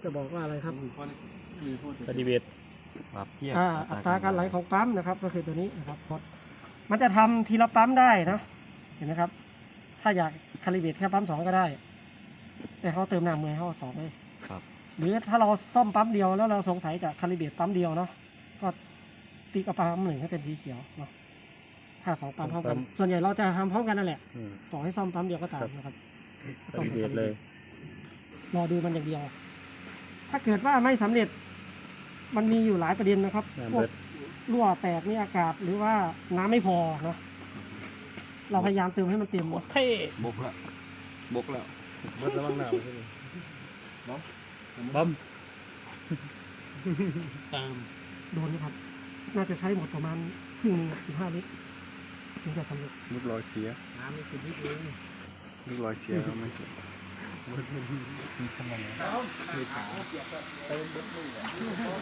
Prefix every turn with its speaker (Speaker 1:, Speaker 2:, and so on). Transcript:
Speaker 1: จะบอกว่าอะไรครับ
Speaker 2: ปฏิเวท
Speaker 3: ปรับเทียบ
Speaker 1: อัตราการไหลของปั๊มนะครับ ก็คือตัวนี้นะครับมันจะทำทีละปั๊มได้นะเห็นไหมครับ ถ้าอยากคาลิเบรตแค่ปั๊ม2ก็ได้ แต่เขาเติมน้ำมือเขาเอา2ไป
Speaker 3: ครับ
Speaker 1: หรือถ้าเราซ่อมปั๊มเดียวแล้วเราสงสัยจะคาลิเบรตปั๊มเดียวเนาะก็ติ๊กเอาปั๊ม1ให้เป็นสีเขียวเนาะถ้า2ปั๊มพร้อมกันส่วนใหญ่เราจะทำพร้อมกันนั่นแหละต่อให้ซ่อมปั๊มเดียวก็ตามนะครับ
Speaker 2: ปฏิเวทเลย
Speaker 1: รอดูมันอย่างเดียว ถ้าเกิดว่าไม่สำเร็จมันมีอยู่หลายประเด็นนะครับพวกรั่วแตกนี่อากาศหรือว่าน้ำไม่พอเนาะเราพยายามเติมให้มันเต็ม
Speaker 2: เท่
Speaker 3: บกแล้วบกแล้ว
Speaker 2: เบิดระวังหนาวใช่ไหมบอม
Speaker 4: ตาม
Speaker 1: โดนนะครับ น่าจะใช้หมดประมาณครึ่งนึง15 ลิตรถึงจะสำเร็จ
Speaker 3: ลูกรอยเสีย
Speaker 4: น้ำมี10 ลิตรเอง
Speaker 3: ลูกรอยเสียก็ไม่เสีย
Speaker 4: มีขนาดไหนมีขาเติมเบิดมือ